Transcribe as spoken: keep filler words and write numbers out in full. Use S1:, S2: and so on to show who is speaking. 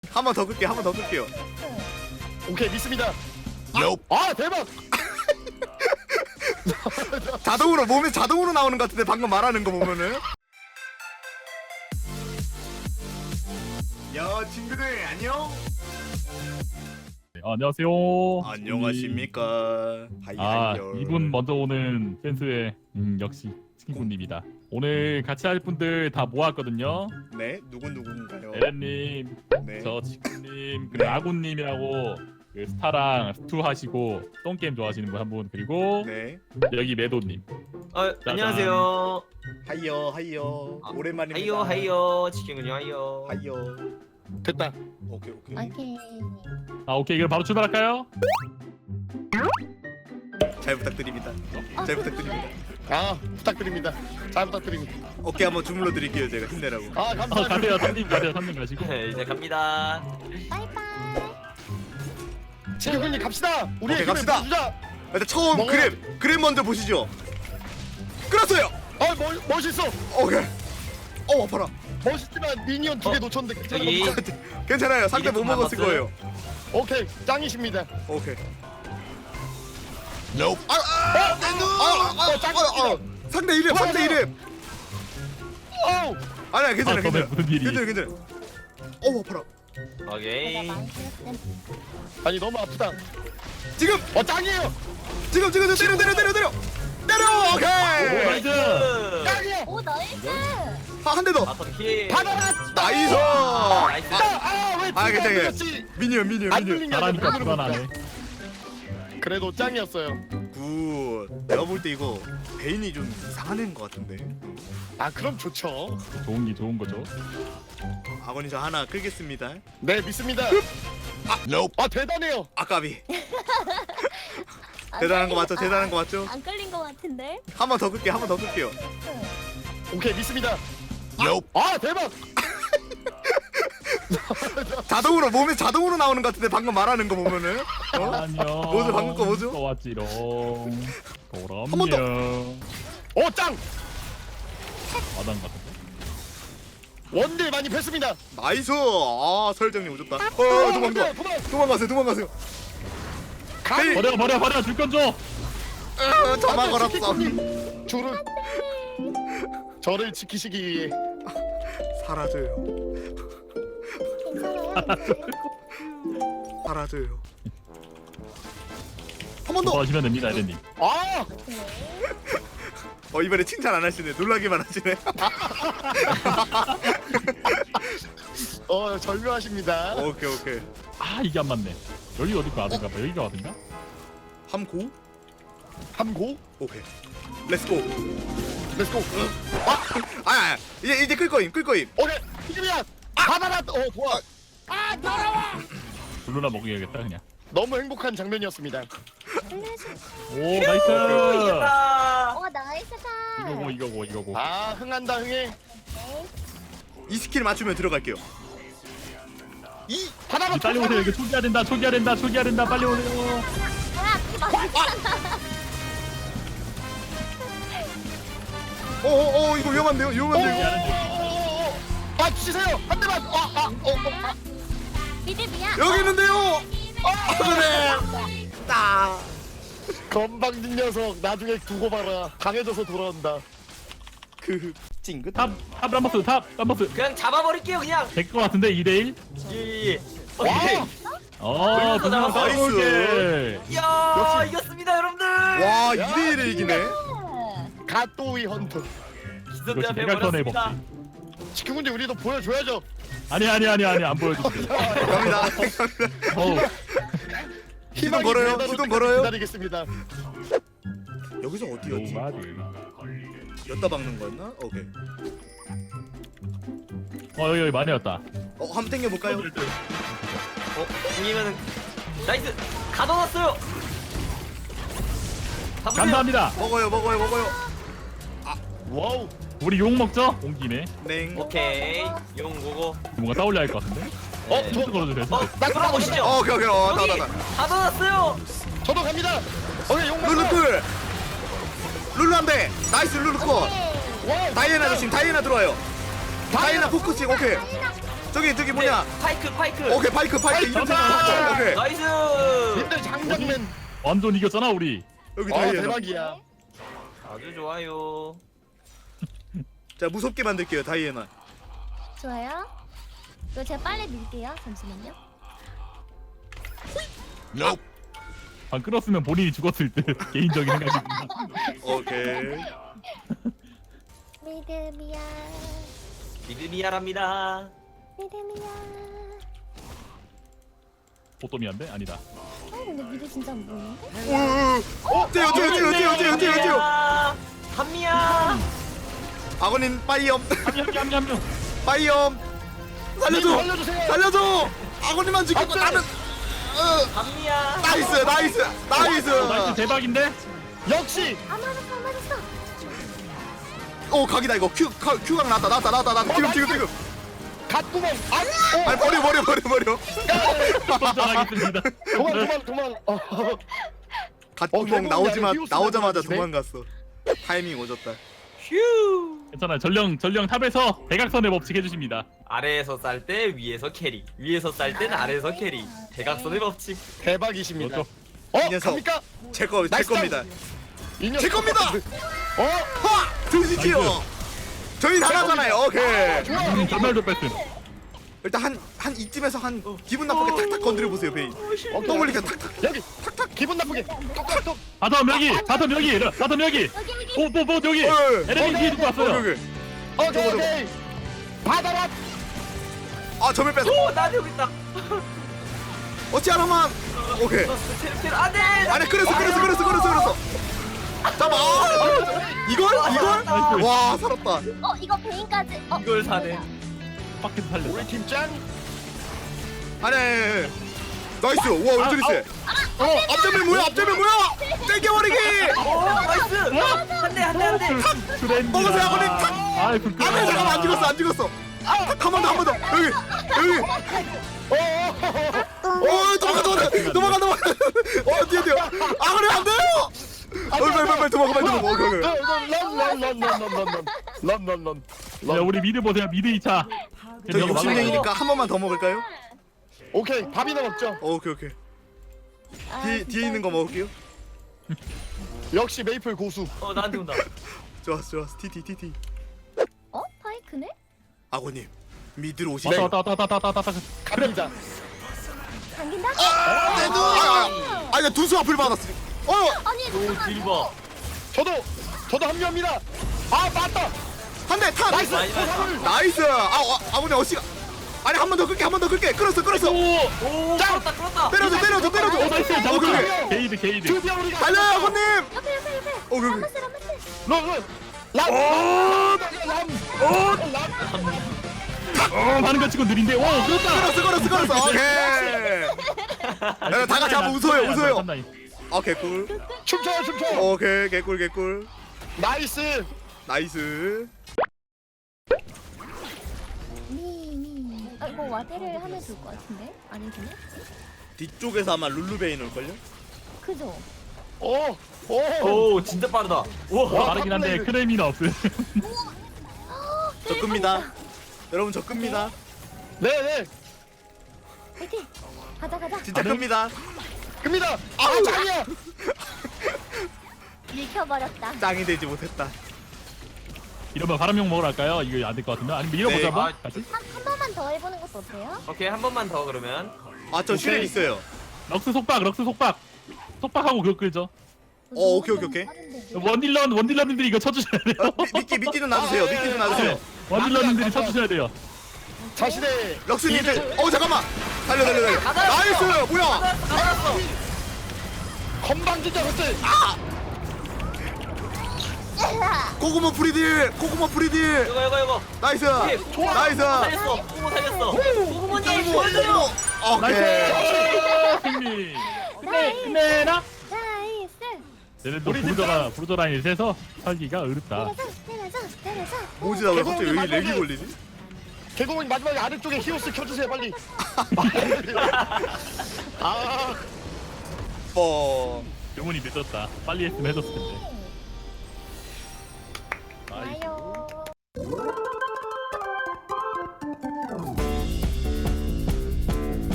S1: 한 번 더 끌게요. 한 번 더 끌게요.
S2: 오케이 믿습니다.
S1: Nope.
S2: 아 대박.
S1: 자동으로 몸에 자동으로 나오는 것 같은데 방금 말하는 거 보면은. 야 친구들 안녕.
S3: 네, 안녕하세요.
S1: 안녕하십니까. 하이
S3: 아,
S1: 하이요.
S3: 이분 먼저 오는 댄스의 음, 역시 친구님이다. 오늘 같이 할 분들 다 모았거든요.
S1: 네 누군 누군가요?
S3: 에렌님,
S1: 네.
S3: 저 지쿠님, 그리고 아군님이라고 그 스타랑 스투 하시고 똥게임 좋아하시는 분 한 분, 그리고
S1: 네.
S3: 여기 매도님.
S4: 어, 안녕하세요.
S1: 하이요 하이요.
S4: 아,
S1: 오랜만입니다.
S4: 하이요 하이요 치킨군요 하이요.
S1: 하이요.
S2: 됐다.
S1: 오케이 오케이.
S5: 오케이.
S3: 아, 오케이, 그럼 바로 출발할까요?
S1: 잘 부탁드립니다. 잘 부탁드립니다.
S2: 아 부탁드립니다. 잘 부탁드립니다.
S1: 어깨 한번 주물러 드릴게요 제가 힘내라고.
S2: 아
S3: 어,
S2: 감사합니다.
S3: 가세요, 삼님 가세요, 삼님 가시고.
S4: 네, 이제 갑니다.
S5: 바이바이.
S2: 지켜군님 갑시다. 우리
S1: 오케이, 갑시다.
S2: 보여주자.
S1: 일단 처음
S2: 먹어요.
S1: 그램 그램 먼저 보시죠. 끌었어요.
S2: 아 멋, 멋있어.
S1: 오케이. 어 아파라.
S2: 멋있지만 미니언 두 개
S4: 어,
S2: 놓쳤는데
S4: 저기.
S2: 괜찮아.
S1: 괜찮아요. 상대 못
S4: 이게
S1: 먹었을
S4: 좀
S1: 거예요.
S2: 오케이 짱이십니다.
S1: 오케이. Nope. 아, 아, 아, 아, 아, 아, 아, 상대 이름, 상대 이름.
S2: 어우
S1: 아니야, 괜찮아,
S3: 아,
S1: 괜찮아.
S3: 그러면 무슨 일이?
S1: 괜찮아, 괜찮아. 어우 아파라.
S4: 오케이.
S5: 내가 많이 들었음.
S2: 아니 너무 아프다.
S1: 지금,
S2: 어 짱이에요.
S1: 지금, 지금, 지금 때려, 때려, 때려, 때려, 때려.
S3: 오,
S1: 오케이.
S3: 나이스!
S2: 짱이야.
S5: 오 나이스.
S1: 아, 한 대 더.
S4: 다섯 킬.
S2: 받아라.
S1: 나이스.
S4: 나이스.
S2: 아왜
S1: 아, 괜찮아,
S2: 들렸지?
S1: 미니언, 미니언,
S2: 안
S1: 미니언.
S2: 들리냐?
S3: 잘하니까
S2: 손으로
S3: 불안하네.
S2: 볼까? 그래도 짱이었어요.
S1: 굿. 내가 볼 때 이거 베인이 좀 이상한 애인 것 같은데.
S2: 아 그럼 좋죠.
S3: 좋은 게 좋은 거죠.
S1: 아버님 저 하나 끌겠습니다.
S2: 네 믿습니다.
S1: 아, nope.
S2: 아 대단해요.
S1: 아까비.
S5: 안
S1: 대단한 거
S5: 끌린-
S1: 맞죠?
S5: 아,
S1: 대단한 거 맞죠?
S5: 안 끌린 거 같은데.
S1: 한 번 더 끌게요. 한 번 더 끌게요.
S2: 오케이 믿습니다.
S1: Nope.
S2: 아 대박.
S1: 자동으로 몸에 자동으로 나오는 것 같은데 방금 말하는 거 보면은. 어?
S3: 안녕.
S1: 뭐죠? 방금 거 뭐죠?
S3: 또 왔지롱.
S1: 한 번 더.
S3: 도람요.
S2: 오 짱.
S3: 마당 같은.
S2: 원딜 많이 뺐습니다.
S1: 나이스. 아 설정님 오셨다. 어 도망가.
S2: 도망.
S1: 도망가세요. 도망가세요.
S2: 가.
S3: 버려 버려 버려 줄 건 줘.
S1: 으, 저만 걸었어.
S2: 줄을 저를 지키시기 위해
S1: 사라져요.
S5: 괜찮아요.
S1: 사라져요. 한 번 더.
S3: 더 하시면 됩니다, 에렌님.
S2: 아
S1: 어 이번에 칭찬 안 하시네. 놀라기만 하시네.
S2: 어 절묘하십니다.
S1: 오케이 오케이.
S3: 아, 이게 안 맞네. 여기 어디가 와든가 봐. 여기가 와든가?
S1: 함고.
S2: 함고
S1: 오케이. 렛츠고.
S2: 렛츠고.
S1: 아, 아 이제 이제 끌 거임. 끌 거임.
S2: 오케이 지금이야. 받아라. 어 좋아.
S3: 블루나 먹여야겠다 그냥.
S2: 너무 행복한 장면이었습니다.
S3: 오, 나이스.
S4: 이겼다.
S5: 오 나이스다.
S3: 이거고 이거고 이거고.
S2: 아 흥한다 흥해.
S1: 이 스킬 맞추면 들어갈게요.
S2: 이 받아라.
S3: 이 빨리 오세요. 여기 초기화 된다. 초기화 된다. 초기화 된다. 빨리 오세요.
S5: 아 그게 맞았잖아.
S1: 어어어 이거 위험한데요? 위험한데요?
S2: 오오오오오. 아 치세요. 한 대만. 아아어 어, 아.
S5: 믿음이야.
S1: 여기 있는데요. 아 그래. 따.
S2: 건방진 녀석 나중에 두고 봐라. 강해져서 돌아온다.
S1: 그 찡긋.
S3: 탑, 탑 람버스, 탑 람버스.
S4: 그냥 잡아버릴게요 그냥.
S3: 될 것 같은데 이 대 일.
S4: 예. 오케이.
S3: 어,
S4: 블루도
S3: 블루나
S4: 나왔어.
S3: 따라올게.
S4: 이야
S1: 역시.
S4: 이겼습니다 여러분들.
S1: 와 이 대 일을 이기네.
S2: 가또이 헌터.
S4: 기선제압
S3: 역시 대각선의
S4: 해버렸습니다.
S3: 법칙.
S2: 지금군데 우리도 보여줘야죠.
S3: 아니 아니 아니 아니 안 보여줄게.
S1: 갑니다.
S3: 어우,
S1: 시동 걸어요.
S2: 기다릴
S1: 시동
S2: 때까지
S1: 걸어요.
S2: 기다리겠습니다.
S1: 여기서 어디였지?
S3: 노마드.
S1: 엿다 박는 거였나? 오케이.
S3: 어, 여기 여기 많이 왔다.
S1: 어 한번 당겨 볼까요?
S4: 어 이기면은 나이스. 가둬놨어요. 잡으세요.
S3: 감사합니다.
S1: 먹어요 먹어요 먹어요.
S2: 와우.
S3: 우리 욕 먹죠? 온 김에
S1: 냉.
S4: 오케이. 용 고고.
S3: 뭔가 따올려 할 것 같은데.
S2: 어,
S4: 네.
S2: 저,
S3: 힌트 걸어주세요.
S4: 어
S3: 힌트.
S2: 나
S4: 돌아보시죠.
S1: 어 오케이 오케이. 어
S4: 여기
S1: 나나 나.
S4: 가둬놨어요.
S2: 저도 갑니다. 오케이 용
S1: 룰루
S2: 먹어.
S1: 쿨. 룰루 한 대. 나이스 룰루 컷.
S2: 와우.
S1: 다이애나 조심. 다이애나 들어와요. 다이애나 포커싱 오케이. 저기 저기 뭐냐?
S4: 파이크 파이크.
S1: 오케이 파이크 파이크 이름
S3: 정답!
S1: 찾았어. 오케이
S4: 나이스.
S2: 님들 장정맨.
S3: 완전 이겼잖아 우리.
S1: 여기
S2: 아
S1: 다이애나.
S2: 대박이야.
S4: 아주 좋아요.
S1: 자 무섭게 만들게요 다이애나.
S5: 좋아요. 이거 제가 빨리 밀게요. 잠시만요.
S3: 방 끌었으면 본인이 죽었을 때 개인적인 생각입니다.
S1: 오케이.
S5: 믿음이야.
S4: 미드미아랍니다.
S5: 믿음이야.
S3: 보토미안데 아니다.
S5: 어 근데 미드 진짜 안 보이는데?
S1: 오. 떼요 떼요 떼요 떼요 떼요 떼요 떼요.
S4: 한미야.
S1: 아버님 빠이엄
S3: 냠냠냠냠.
S1: 빠이엄 살려줘
S2: 살려주세요.
S1: 살려줘. 아버님만 지키고
S2: 안 돼.
S1: 나는. 어.
S4: 한미야.
S1: 나이스 나이스 나이스.
S3: 나이스 대박인데?
S2: 역시.
S5: 안 맞았어 안 맞았어.
S1: 오 각이다 이거 큐 카- 큐각 나왔다 나왔다 나왔다 나왔다 지금 지금 지금.
S2: 갓구멍. 아. 어.
S1: 아니 버려 버려 버려 버려.
S3: 선전하겠습니다.
S2: 도망 도망 도망. 어. 어,
S1: 갓구멍
S2: 결국은
S1: 나오지마
S2: 아예 히오스가
S1: 나오자마자
S2: 들어가시네.
S1: 도망갔어. 타이밍 오졌다.
S4: 휴.
S3: 괜찮아요. 전령 전령 탑에서 대각선의 법칙 해주십니다.
S4: 아래에서 쌀 때 위에서 캐리. 위에서 쌀 때는 아래에서 캐리. 대각선의 법칙.
S2: 대박이십니다.
S3: 그렇죠.
S2: 어
S1: 이 녀석.
S2: 갑니까?
S1: 제거 제
S2: 나이스
S1: 겁니다.
S2: 이 녀석.
S1: 제 겁니다.
S2: 어.
S1: 화 드시지요. 저희 나가잖아요. 오케이.
S2: 좋아.
S3: 음, 전멸도 뺐음.
S1: 일단 한 한 이쯤에서 한 기분 나쁘게 탁탁 건드려 보세요 베인.
S2: 오케이.
S1: 똥 흘리게 탁탁.
S2: 여기 탁탁 기분 나쁘게 똑똑똑.
S3: 바텀 여기, 바텀 여기, 바텀 여기.
S5: 여기 여기.
S3: 뽀뽀뽀 여기.
S1: 어,
S3: 에레미 뒤에 두고 왔어요.
S1: 여기.
S2: 오케이
S1: 저거, 저거.
S2: 오케이. 받아라.
S1: 아 점을 뺏어.
S4: 오, 나 여기 있다.
S1: 어찌 하나만. 오케이.
S4: 테르 테르 안돼.
S1: 아니 끌었어 끌었어 끌었어 끌었어 끌었어. 잡아. 아, 이걸 이걸.
S3: 나이스.
S1: 와 살았다.
S5: 어 이거 베인까지. 어
S4: 이걸 사네.
S3: 밖에서 살렸다.
S2: 우리 팀 짱.
S1: 아니. 나이스. 와 완전히 세. 어 앞점이 뭐야 앞점이 뭐야. 땡겨버리기.
S4: 오, 나이스. 한대 한대 한대.
S3: 트렌드.
S1: 먹으세요, 아버님. 탁!
S3: 아이 부끄러워.
S1: 안돼 잠깐만 안 죽었어 안 죽었어. 한 번 더 한 번 더. 여기 여기. 어 도망가 도망가 도망가 도망가. 어 뛰어 뛰어. 아 그래 안 돼요. 어 빨리 빨리 빨리 도망가 빨리 도망가. 오케이 오케이.
S2: 런런런런런런런런런.
S3: 야 우리 미드 보세요. 미드 이 차.
S1: 저 육십 명이니까 한 번만 더 먹을까요?
S2: 오케이 밥이나 먹죠.
S1: 어, 오케이 오케이.
S5: 아,
S1: 뒤 뒤에
S5: 진짜.
S1: 있는 거 먹을게요.
S2: 역시 메이플 고수.
S4: 어, 나한테 온다.
S1: 좋았어 좋았어. 티티 티티.
S5: 어 파이크네?
S1: 아고님 미드로 오시죠.
S3: 왔다 왔다 왔다 왔다 왔다 왔다.
S2: 갑니다.
S5: 당긴다?
S1: 내 눈. 아, 아, 아, 두수 앞을 받았어. 어,
S5: 아니
S4: 오,
S5: 잠깐만.
S4: 딜버.
S2: 저도 저도 합류합니다. 아 맞다.
S1: 한 대 탁.
S2: 나이스.
S4: 나이스.
S2: 포탑을.
S1: 나이스. 아, 아 아버님 어시가. 아니 한 번 더 끌게 한 번 더 끌게. 끌었어 끌었어.
S4: 오, 끌었다 끌었다.
S1: 때려줘 때려줘 때려줘.
S3: 오 나이스.
S1: 오케이 오케이.
S3: 잡았다. 게이드 게이드.
S2: 드디어 우리가.
S1: 달려요 아버님.
S5: 옆에 옆에 옆에.
S1: 오, 그래, 그래.
S5: 라마스 라마스.
S2: 런 런.
S1: 오,
S2: 람. 람.
S3: 어 하는 거 치고 느린데. 오 그렇다.
S1: 끌었어 끌었어 끌었어. 오케이. 야, 다 같이 한번 웃어요 웃어요. 오케이 꿀.
S2: 춤춰요 춤춰.
S1: 오케이 개꿀 개꿀.
S2: 나이스.
S1: 나이스.
S5: 미미. 아 이거 와대를 하면 좋을 것 같은데? 아니구나?
S1: 뒤쪽에서 아마 룰루베인 올걸요?
S5: 그죠?
S2: 오. 오.
S4: 오, 진짜 빠르다. 와.
S3: 빠르긴 한데 크레미는 없음.
S1: 저 끕니다. 여러분 저 끕니다.
S2: 네네.
S5: 파이팅! 가자 가자.
S1: 진짜
S3: 아, 네?
S1: 끕니다.
S2: 끕니다. 아
S1: 아우.
S2: 짱이야.
S5: 밀켜버렸다.
S1: 짱이 되지 못했다.
S3: 이러면 바람용 먹으러 갈까요? 이거 안 될 것 같은데? 아니면 밀어보자
S1: 네.
S3: 한번?
S4: 아,
S3: 같이?
S5: 한, 한 번만 더 해보는 것도 어때요?
S4: 오케이, 한 번만 더 그러면.
S1: 아 저 슈렉 있어요.
S3: 럭스 속박 럭스 속박 속박하고 그거 끌죠.
S1: 어, 오케이, 오케이, 오케이.
S3: 원딜런 원딜런님들이 이거 쳐주셔야 돼요.
S1: 어, 미, 미끼 미끼 좀 놔주세요. 미끼 좀 놔주세요.
S3: 원딜런님들이 쳐주셔야 돼요.
S2: 자신의
S1: 럭스님들. 어 잠깐만. 달려 달려 달려. 나이스. 뭐야?
S4: 나왔어.
S2: 건방진자 것들.
S1: 고구마 프리딜. 고구마 프리딜.
S4: 이거 이거 이거.
S1: 나이스.
S4: 오케이, 좋아.
S1: 나이스.
S4: 살렸어. 꼬모 살렸어. 꼬모님 보여줘요.
S1: 오케이.
S3: 나이스 승리. 끝내 끝내라.
S5: 나이스.
S3: 얘네도
S2: 우리
S3: 브루저가 브루저 라인을 세서 살기가 어렵다.
S5: 때려줘 때려줘 때려줘.
S1: 뭐지 나 왜 갑자기 여기 렉이 걸리지?
S2: 개구멍 마지막에 아래쪽에 히오스 켜주세요 빨리. 아.
S1: 어.
S3: 영혼이 늦었다. 빨리 했으면 해줬을 텐데.